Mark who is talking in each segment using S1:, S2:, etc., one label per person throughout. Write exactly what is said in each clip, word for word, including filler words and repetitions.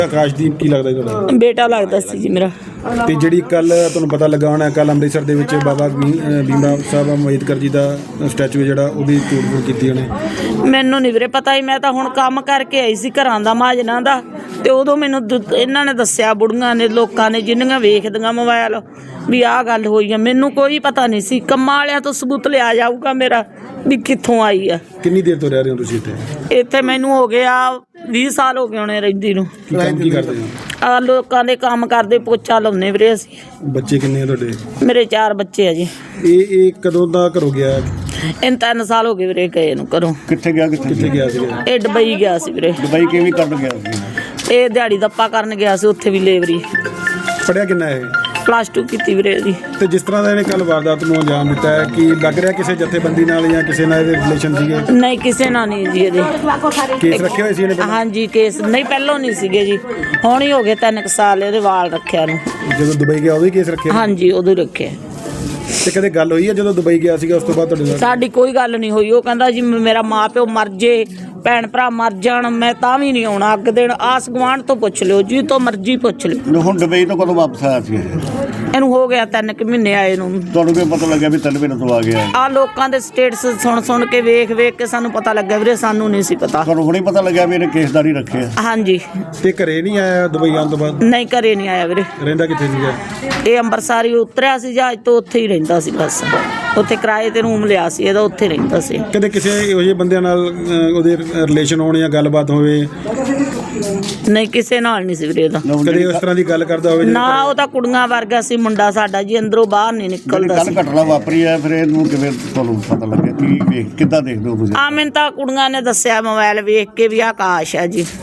S1: ਆਕਾਸ਼ਦੀਪ ਕੀ ਲੱਗਦਾ ਜੀ ਤੁਹਾਡਾ?
S2: ਬੇਟਾ ਲੱਗਦਾ ਸੀ ਜੀ ਮੇਰਾ।
S1: ਤੇ ਜਿਹੜੀ ਕੱਲ ਤੁਹਾਨੂੰ ਪਤਾ ਲੱਗਾ ਹੋਣਾ ਕੱਲ ਅੰਮ੍ਰਿਤਸਰ ਦੇ ਵਿੱਚ ਬਾਬਾ ਭੀਮਰਾਓ ਸਾਹਿਬ ਅੰਬੇਦਕਰ ਜੀ ਦਾ ਸਟੈਚੂ ਜਿਹੜਾ ਉਹਦੀ ਤੋੜ ਫੋੜ ਕੀਤੀ ਉਹਨੇ।
S2: ਮੈਨੂੰ ਨਹੀਂ ਵੀਰੇ ਪਤਾ ਹੀ, ਮੈਂ ਤਾਂ ਹੁਣ ਕੰਮ ਕਰਕੇ ਆਈ ਸੀ ਘਰਾਂ ਦਾ ਮਾਜਨਾਂ ਦਾ, ਤੇ ਉਦੋਂ ਮੈਨੂੰ ਦ- ਇਹਨਾਂ ਨੇ ਦੱਸਿਆ ਬੁੜੀਆਂ ਨੇ, ਲੋਕਾਂ ਨੇ, ਜਿੰਨੀਆਂ ਵੇਖਦੀਆਂ ਮੋਬਾਈਲ ਵੀ ਆਹ ਗੱਲ ਹੋਈ ਆ। ਮੈਨੂੰ ਕੋਈ ਪਤਾ ਨਹੀਂ ਸੀ। ਕੰਮਾਂ ਵਾਲਿਆਂ ਤੋਂ ਸਬੂਤ ਲਿਆ ਜਾਊਗਾ ਮੇਰਾ ਵੀ ਕਿੱਥੋਂ ਆਈ ਆ।
S1: ਕਿੰਨੀ ਦੇਰ ਤੋਂ ਰਹਿ ਰਹੇ ਹੋ ਤੁਸੀਂ ਇੱਥੇ?
S2: ਇੱਥੇ ਮੈਨੂੰ ਹੋ ਗਿਆ ਵੀਹ ਸਾਲ ਹੋ ਗਏ ਹੋਣੇ ਰਹਿੰਦੀ ਨੂੰ।
S1: ਕੀ ਕੰਮ ਕੀ ਕਰਦੇ ਹੋ?
S2: ਆ ਲੋਕਾਂ ਦੇ ਕੰਮ ਕਰਦੇ, ਪੋਚਾ ਲਾਉਂਦੇ ਵੀਰੇ ਅਸੀਂ।
S1: ਬੱਚੇ ਕਿੰਨੇ ਆ ਤੁਹਾਡੇ?
S2: ਮੇਰੇ ਚਾਰ ਬੱਚੇ ਆ ਜੀ।
S1: ਇਹ ਇਹ ਕਦੋਂ ਦਾ ਘਰੋਂ ਗਿਆ?
S2: ਇਹਨੂੰ ਤਿੰਨ ਸਾਲ ਹੋ ਗਏ ਵੀਰੇ ਗਏ ਨੂੰ ਘਰੋਂ।
S1: ਕਿੱਥੇ ਗਿਆ? ਕਿੱਥੇ ਕਿੱਥੇ ਗਿਆ ਸੀਗਾ?
S2: ਇਹ ਦੁਬਈ ਗਿਆ ਸੀ ਵੀਰੇ।
S1: ਦੁਬਈ ਕਿਵੇਂ ਕਰਨ ਗਿਆ ਸੀ?
S2: ਇਹ ਦਿਹਾੜੀ ਦੱਪਾ ਕਰਨ ਗਿਆ ਸੀ, ਉੱਥੇ ਵੀ ਲੇਬਰੀ।
S1: ਪੜਿਆ ਕਿੰਨਾ ਇਹ?
S2: ਪਲੱਸ ਟੂ ਕੀਤੀ ਵੀਰੇ ਦੀ।
S1: ਤੇ ਜਿਸ ਤਰ੍ਹਾਂ ਦਾ ਇਹਨੇ ਕੱਲ ਵਾਰਦਾਤ ਨੂੰ ਅੰਜਾਮ ਦਿੱਤਾ ਹੈ, ਕੀ ਲੱਗ ਰਿਹਾ ਕਿਸੇ ਜਥੇਬੰਦੀ ਨਾਲ ਜਾਂ ਕਿਸੇ ਨਾਲ ਇਹਦੇ ਰਿਲੇਸ਼ਨ ਸੀਗੇ?
S2: ਨਹੀਂ, ਕਿਸੇ ਨਾਲ ਨਹੀਂ ਜੀ ਇਹਦੇ।
S1: ਕੇਸ ਰੱਖੇ ਹੋਏ ਸੀ ਇਹਨੇ ਪਹਿਲਾਂ?
S2: ਹਾਂਜੀ ਕੇਸ ਨਹੀਂ, ਪਹਿਲੋਂ ਨਹੀਂ ਸੀਗੇ ਜੀ, ਹੁਣ ਹੀ ਹੋ ਗਏ ਤਿੰਨ ਕੁ ਸਾਲ ਇਹਦੇ ਵਾਲ ਰੱਖਿਆ ਨੂੰ।
S1: ਜਦੋਂ ਦੁਬਈ ਗਿਆ ਉਦੋਂ ਹੀ ਕੇਸ ਰੱਖਿਆ?
S2: ਹਾਂਜੀ ਉਦੋਂ ਹੀ ਰੱਖਿਆ।
S1: ਤੇ ਕਦੇ ਗੱਲ ਹੋਈ ਹੈ ਜਦੋਂ ਦੁਬਈ ਗਿਆ ਸੀਗਾ ਉਸ ਤੋਂ ਬਾਅਦ ਤੁਹਾਡੇ ਨਾਲ?
S2: ਸਾਡੀ ਕੋਈ ਗੱਲ ਨਹੀਂ ਹੋਈ। ਉਹ ਕਹਿੰਦਾ ਜੀ ਮੇਰਾ ਮਾਂ ਪਿਓ ਮਰ ਜੇ, ਭੈਣ ਭਰਾ ਮਰ ਜਾਣ, ਮੈਂ ਤਾਂ ਵੀ ਨਹੀਂ ਆਉਣਾ ਅੱਗ ਦੇਣ। ਆਸ ਗੁਆਂਢ ਤੋਂ ਪੁੱਛ ਲਿਓ, ਜੀ ਤੋਂ ਮਰਜ਼ੀ ਪੁੱਛ ਲਿਓ।
S3: ਹੁਣ ਦੁਬਈ ਤੋਂ ਕਦੋਂ ਵਾਪਸ ਆਇਆ ਸੀ?
S2: ਇਹਨੂੰ ਹੋ ਗਿਆ ਤਿੰਨ ਕੁ ਮਹੀਨੇ ਆਏ ਨੂੰ।
S3: ਤੁਹਾਨੂੰ ਕੀ ਪਤਾ ਲੱਗਿਆ ਵੀ ਤਿੰਨ ਮਹੀਨੇ ਤੋਂ ਆ ਗਿਆ?
S2: ਆ ਲੋਕਾਂ ਦੇ ਸਟੇਟਸ ਸੁਣ ਸੁਣ ਕੇ, ਵੇਖ ਵੇਖ ਕੇ ਸਾਨੂੰ ਪਤਾ ਲੱਗਾ ਵੀਰੇ, ਸਾਨੂੰ ਨਹੀਂ ਸੀ ਪਤਾ।
S3: ਤੁਹਾਨੂੰ ਹੁਣੇ ਪਤਾ ਲੱਗਿਆ ਵੀ ਇਹਨੇ ਕੇਸਦਾਰੀ ਰੱਖਿਆ?
S2: ਹਾਂਜੀ।
S1: ਤੇ ਘਰੇ ਨਹੀਂ ਆਇਆ ਦੁਬਈ ਆਉਣ ਤੋਂ ਬਾਅਦ?
S2: ਨਹੀਂ, ਘਰੇ ਨਹੀਂ ਆਇਆ ਵੀਰੇ।
S1: ਰਹਿੰਦਾ ਕਿੱਥੇ ਸੀਗਾ?
S2: ਇਹ ਅੰਮ੍ਰਿਤਸਰ ਹੀ ਉਤਰਿਆ ਸੀ ਜਹਾਜ਼ ਤੋਂ, ਉੱਥੇ ਹੀ ਰਹਿੰਦਾ ਸੀ ਬਸ। ਉੱਥੇ ਕਿਰਾਏ ਤੇ ਰੂਮ ਲਿਆ ਸੀ ਇਹਦਾ, ਉੱਥੇ ਰਹਿੰਦਾ ਸੀ।
S1: ਕਦੇ ਕਿਸੇ ਇਹੋ ਜਿਹੇ ਬੰਦਿਆਂ ਨਾਲ ਅਹ, ਉਹਦੇ ਰਿਲੇਸ਼ਨ ਹੋਣ ਜਾਂ ਗੱਲਬਾਤ ਹੋਵੇ?
S2: ਨਹੀਂ, ਕਿਸੇ ਨਾਲ ਨਹੀਂ ਸੀ ਵੀਰੇ ਇਹਦਾ।
S1: ਕਦੇ ਉਸ ਤਰ੍ਹਾਂ ਦੀ ਗੱਲ ਕਰਦਾ ਹੋਵੇ?
S2: ਨਾ, ਉਹ ਤਾਂ ਕੁੜੀਆਂ ਵਰਗਾ ਸੀ ਮੁੰਡਾ ਸਾਡਾ ਜੀ, ਅੰਦਰੋਂ ਬਾਹਰ ਨਹੀਂ ਨਿਕਲਦਾ
S3: ਕੱਲ
S2: ਸੀ।
S3: ਘਟਨਾ ਵਾਪਰੀ ਹੈ, ਫਿਰ ਇਹਨੂੰ ਕਿਵੇਂ ਤੁਹਾਨੂੰ ਪਤਾ ਲੱਗਿਆ? ਕੀ ਵੇਖ ਕਿੱਦਾਂ ਦੇਖਦੇ ਹੋ ਤੁਸੀਂ?
S2: ਆ ਮੈਨੂੰ ਤਾਂ ਕੁੜੀਆਂ ਨੇ ਦੱਸਿਆ ਮੋਬਾਈਲ ਵੇਖ ਕੇ ਵੀ ਆਕਾਸ਼ ਆ ਜੀ,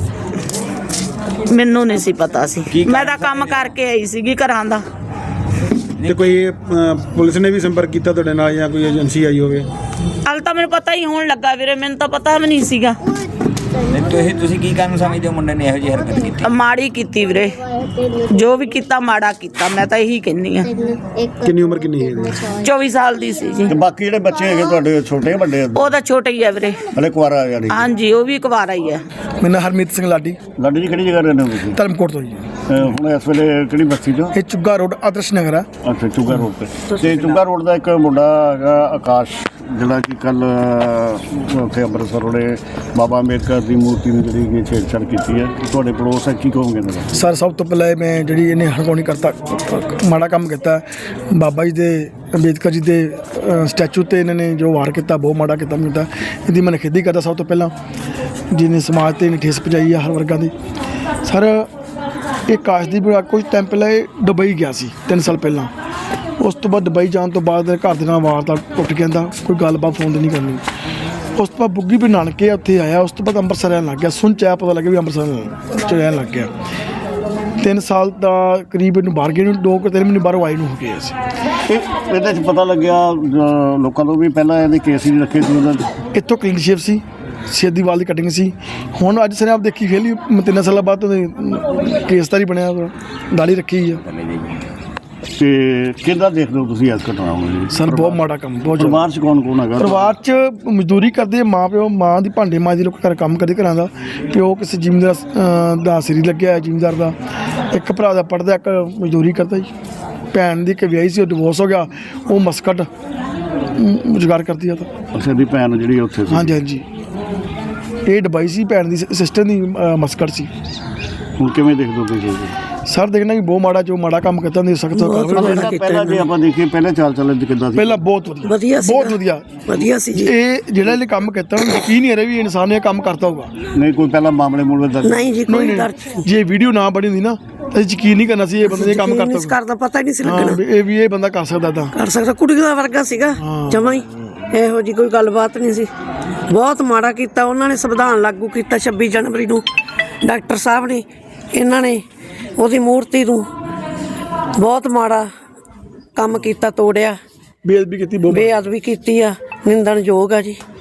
S2: ਮੈਨੂੰ ਨਹੀਂ ਸੀ ਪਤਾ ਸੀ। ਮੈਂ ਤਾਂ ਕੰਮ ਕਰਕੇ ਆਈ ਸੀਗੀ ਘਰਾਂ ਦਾ।
S1: ਤੇ ਕੋਈ ਅਹ, ਪੁਲਿਸ ਨੇ ਵੀ ਸੰਪਰਕ ਕੀਤਾ ਤੁਹਾਡੇ ਨਾਲ ਜਾਂ ਕੋਈ ਏਜੰਸੀ ਆਈ ਹੋਵੇ?
S2: ਹਾਲੇ ਤਾਂ ਮੈਨੂੰ ਪਤਾ ਹੀ ਹੋਣ ਲੱਗਾ ਵੀਰੇ, ਮੈਨੂੰ ਤਾਂ ਪਤਾ ਵੀ ਨਹੀਂ ਸੀਗਾ।
S4: ਤੁਸੀਂ ਤੁਸੀਂ ਕੀ ਕਾਰਨ ਸਮਝਦੇ ਹੋ ਮੁੰਡੇ ਨੇ ਇਹੋ ਜਿਹੀ ਹਰਕਤ ਕੀਤੀ?
S2: ਮਾੜੀ ਕੀਤੀ ਵੀਰੇ, ਜੋ ਵੀ ਕੀਤਾ ਮਾੜਾ ਕੀਤਾ, ਮੈਂ ਤਾਂ ਇਹੀ ਕਹਿੰਦੀ ਆ।
S1: ਕਿੰਨੀ ਉਮਰ ਕਿੰਨੀ ਹੈ ਇਹਦੀ?
S2: ਚੌਵੀ ਸਾਲ ਦੀ ਸੀ ਜੀ।
S3: ਤੇ ਬਾਕੀ ਜਿਹੜੇ ਬੱਚੇ ਹੈਗੇ ਤੁਹਾਡੇ ਛੋਟੇ ਵੱਡੇ?
S2: ਉਹ ਤਾਂ ਛੋਟਾ ਹੀ ਆ ਵੀਰੇ।
S3: ਹਲੇ ਕੁਆਰਾ ਯਾਨੀ?
S2: ਹਾਂਜੀ, ਉਹ ਵੀ ਕੁਵਾਰਾ ਹੀ ਆ।
S5: ਮੇਰਾ ਨਾਮ ਹਰਮੀਤ ਸਿੰਘ ਲਾਡੀ,
S3: ਲਾਡੀ ਜੀ ਕਿਹੜੀ ਜਗ੍ਹਾ ਰਹਿੰਦੇ ਹੋ ਤੁਸੀਂ?
S5: ਧਰਮਕੋਟ ਤੋਂ ਜੀ।
S3: ਅਹ ਹੁਣ ਇਸ ਵੇਲੇ ਕਿਹੜੀ ਬਸਤੀ ਤੋਂ?
S5: ਇਹ ਚੁੱਗਾ ਰੋਡ ਆਦਰਸ਼ ਨਗਰ ਆ।
S3: ਅੱਛਾ, ਚੁੱਗਾ ਰੋਡ ਤੇ। ਤੇ ਚੁੱਗਾ ਰੋਡ ਦਾ ਇੱਕ ਮੁੰਡਾ ਹੈਗਾ ਆਕਾਸ਼, ਜਿਹੜਾ ਕਿ ਕੱਲ ਉੱਥੇ ਅੰਮ੍ਰਿਤਸਰ ਉਹਨੇ ਬਾਬਾ ਅੰਬੇਦਕਰ ਦੀ ਮੂਰਤੀ ਨੂੰ ਜਿਹੜੀ ਕਿ ਛੇੜਛਾੜ ਕੀਤੀ ਹੈ। ਤੁਹਾਡੇ ਪੜੋਸ ਹੈ, ਕੀ ਕਹੋਗੇ ਇਹਨਾਂ ਦਾ?
S5: ਸਰ ਸਭ ਤੋਂ ਪਹਿਲਾਂ ਮੈਂ ਜਿਹੜੀ ਇਹਨੇ ਹਰਗੋਣੀ ਕਰਤਾ ਮਾੜਾ ਕੰਮ ਕੀਤਾ, ਬਾਬਾ ਜੀ ਦੇ ਅੰਬੇਦਕਰ ਜੀ ਦੇ ਅ, ਸਟੈਚੂ ਤੇ ਇਹਨਾਂ ਨੇ ਜੋ ਵਾਰ ਕੀਤਾ, ਬਹੁਤ ਮਾੜਾ ਕੀਤਾ ਕੀਤਾ। ਇਹਦੀ ਮੈਂ ਨਿਖੇਧੀ ਕਰਦਾ ਸਭ ਤੋਂ ਪਹਿਲਾਂ, ਜਿਹਨੇ ਸਮਾਜ ਤੇ ਇਹਨੇ ਠੇਸ ਪਹੁੰਚਾਈ ਆ ਹਰ ਵਰਗਾਂ ਦੀ। ਸਰ ਇਹ ਕਾਸ਼ਦੀਪ ਕੁਝ ਟਾਈਮ ਪਹਿਲਾਂ ਇਹ ਦੁਬਈ ਗਿਆ ਸੀ, ਤਿੰਨ ਸਾਲ ਪਹਿਲਾਂ। ਉਸ ਤੋਂ ਬਾਅਦ ਦੁਬਈ ਜਾਣ ਤੋਂ ਬਾਅਦ ਘਰ ਦੇ ਨਾਲ ਵਾਰ ਤਾਂ ਟੁੱਟ ਗਿਆ, ਦਾ ਕੋਈ ਗੱਲਬਾਤ ਫੋਨ ਤੇ ਨਹੀਂ ਕਰਨੀ। ਉਸ ਤੋਂ ਬਾਅਦ ਬੁੱਗੀ ਵੀ ਨਾਨਕੇ ਉੱਥੇ ਆਇਆ। ਉਸ ਤੋਂ ਬਾਅਦ ਅੰਮ੍ਰਿਤਸਰ ਰਹਿਣ ਲੱਗ ਗਿਆ। ਸੁਣ ਚ ਆਇਆ ਪਤਾ ਲੱਗਿਆ ਵੀ ਅੰਮ੍ਰਿਤਸਰ ਚ ਰਹਿਣ ਲੱਗ ਗਿਆ। ਤਿੰਨ ਸਾਲ ਦਾ ਕਰੀਬ ਇਹਨੂੰ ਬਾਹਰ ਗਏ ਨੂੰ, ਦੋ ਕੁ ਤਿੰਨ ਮਹੀਨੇ ਬਾਹਰੋਂ ਆਏ ਨੂੰ ਹੋ ਗਏ ਸੀ।
S3: ਇਹ ਇਹਦੇ 'ਚ ਪਤਾ ਲੱਗਿਆ ਅਹ ਲੋਕਾਂ ਤੋਂ ਵੀ ਪਹਿਲਾਂ ਇਹਦੇ ਕੇਸ ਹੀ ਨਹੀਂ ਰੱਖੇ ਸੀ ਉਹਨਾਂ ਦੇ।
S5: ਇੱਥੋਂ ਕਲੀਨ ਸ਼ੇਪ ਸੀ, ਸਿੱਧੀ ਵਾਲ ਦੀ ਕਟਿੰਗ ਸੀ। ਹੁਣ ਅੱਜ ਸਰ ਆਪ ਦੇਖੀ ਫੇਲੀ ਤਿੰਨ ਸਾਲਾਂ ਬਾਅਦ ਉਹਦੇ ਕੇਸਦਾਰੀ ਬਣਿਆ, ਦਾੜੀ ਰੱਖੀ ਆ।
S3: ਤੇ ਕਿੱਦਾਂ ਦੇਖਦੇ ਹੋ ਤੁਸੀਂ ਇਸ ਘਟਨਾ ਨੂੰ?
S5: ਸਰ ਬਹੁਤ ਮਾੜਾ ਕੰਮ, ਬਹੁਤ ਜ਼ਿਆਦਾ।
S3: ਪਰਿਵਾਰ 'ਚ ਕੌਣ ਕੌਣ ਹੈਗਾ?
S5: ਪਰਿਵਾਰ 'ਚ ਮਜ਼ਦੂਰੀ ਕਰਦੇ ਮਾਂ ਪਿਓ, ਮਾਂ ਦੀ ਭਾਂਡੇ ਮਾਂ ਦੀ ਲੋਕ ਘਰ ਕੰਮ ਕਰਦੇ ਘਰਾਂ ਦਾ। ਪਿਓ ਕਿਸੇ ਜ਼ਿਮੀਂਦਾਰ ਅਹ, ਦਾ ਸਿਰੀ ਲੱਗਿਆ ਹੈ ਜ਼ਿਮੀਂਦਾਰ ਦਾ। ਇੱਕ ਭਰਾ ਦਾ ਪੜ੍ਹਦਾ, ਇੱਕ ਮਜ਼ਦੂਰੀ ਕਰਦਾ ਜੀ। ਭੈਣ ਦੀ ਇੱਕ ਵਿਆਹੀ ਸੀ, ਉਹ ਡਿਵੋਰਸ ਹੋ ਗਿਆ, ਉਹ ਮਸਕਟ ਰੁਜ਼ਗਾਰ ਕਰਦੀ ਆ। ਤਾਂ
S3: ਅੱਛਾ, ਦੀ ਭੈਣ ਜਿਹੜੀ ਉੱਥੇ ਸੀ?
S5: ਹਾਂਜੀ ਹਾਂਜੀ, ਇਹ ਦੁਬਈ ਸੀ, ਭੈਣ ਦੀ ਸਿਸਟਰ ਦੀ ਅਹ, ਮਸਕਟ ਸੀ।
S3: ਹੁਣ ਕਿਵੇਂ ਦੇਖਦੇ ਹੋ ਤੁਸੀਂ?
S5: ਸਰ ਦੇਖਣਾ ਕਿ ਬਹੁਤ ਮਾੜਾ, ਜੋ ਮਾੜਾ ਕੰਮ ਕੀਤਾ ਨਹੀਂ ਸਖਤ
S3: ਪਹਿਲਾਂ ਜੇ ਆਪਾਂ ਦੇਖੀਏ ਪਹਿਲਾਂ ਚਾਲ ਚੱਲਣ ਕਿੱਦਾਂ ਸੀ?
S5: ਪਹਿਲਾਂ ਬਹੁਤ ਵਧੀਆ
S2: ਵਧੀਆ ਸੀ,
S5: ਬਹੁਤ ਵਧੀਆ
S2: ਵਧੀਆ ਸੀ ਜੀ।
S5: ਇਹ ਜਿਹੜਾ ਇਹਨੇ ਕੰਮ ਕੀਤਾ ਉਹਨੂੰ ਯਕੀਨ ਨਹੀਂ ਆ ਰਿਹਾ ਵੀ ਇਨਸਾਨ ਨੇ ਇਹ ਕੰਮ ਕਰਤਾ ਹੋਊਗਾ।
S3: ਨਹੀਂ ਕੋਈ ਪਹਿਲਾਂ ਮਾਮਲੇ ਮੂਲੇ ਦਰਜ?
S2: ਨਹੀਂ ਜੀ, ਕੋਈ ਡਰ
S5: ਜੇ ਵੀਡੀਓ ਨਾ ਬਣੀ ਹੁੰਦੀ ਨਾ ਤਾਂ ਯਕੀਨ ਨਹੀਂ ਕਰਨਾ ਸੀ ਇਹ ਬੰਦੇ ਨੇ ਕੰਮ ਕਰਤਾ ਹੋਊਗਾ।
S2: ਕਰਦਾ ਪਤਾ ਨਹੀਂ ਸੀ
S5: ਹਾਂ,
S2: ਲੱਗਣਾ
S5: ਵੀ ਇਹ ਵੀ ਇਹ ਬੰਦਾ ਕਰ ਸਕਦਾ ਤਾਂ
S2: ਕਰ ਸਕਦਾ। ਕੁੜੀਆਂ ਵਰਗਾ ਸੀਗਾ ਜਮਾਂ ਹੀ, ਇਹੋ ਜੀ ਕੋਈ ਗੱਲਬਾਤ ਨਹੀਂ ਸੀ। ਬਹੁਤ ਮਾੜਾ ਕੀਤਾ ਉਹਨਾਂ ਨੇ। ਸੰਵਿਧਾਨ ਲਾਗੂ ਕੀਤਾ ਛੱਬੀ ਜਨਵਰੀ ਨੂੰ, ਡਾਕਟਰ ਸਾਹਿਬ ਨੇ, ਇਹਨਾਂ ਨੇ ਉਹਦੀ ਮੂਰਤੀ ਨੂੰ ਬਹੁਤ ਮਾੜਾ ਕੰਮ ਕੀਤਾ, ਤੋੜਿਆ,
S5: ਬੇਅਦਬੀ ਕੀਤੀ ਬਹੁਤ।
S2: ਬੇਅਦਬੀ ਕੀਤੀ ਆ, ਨਿੰਦਣਯੋਗ ਆ ਜੀ।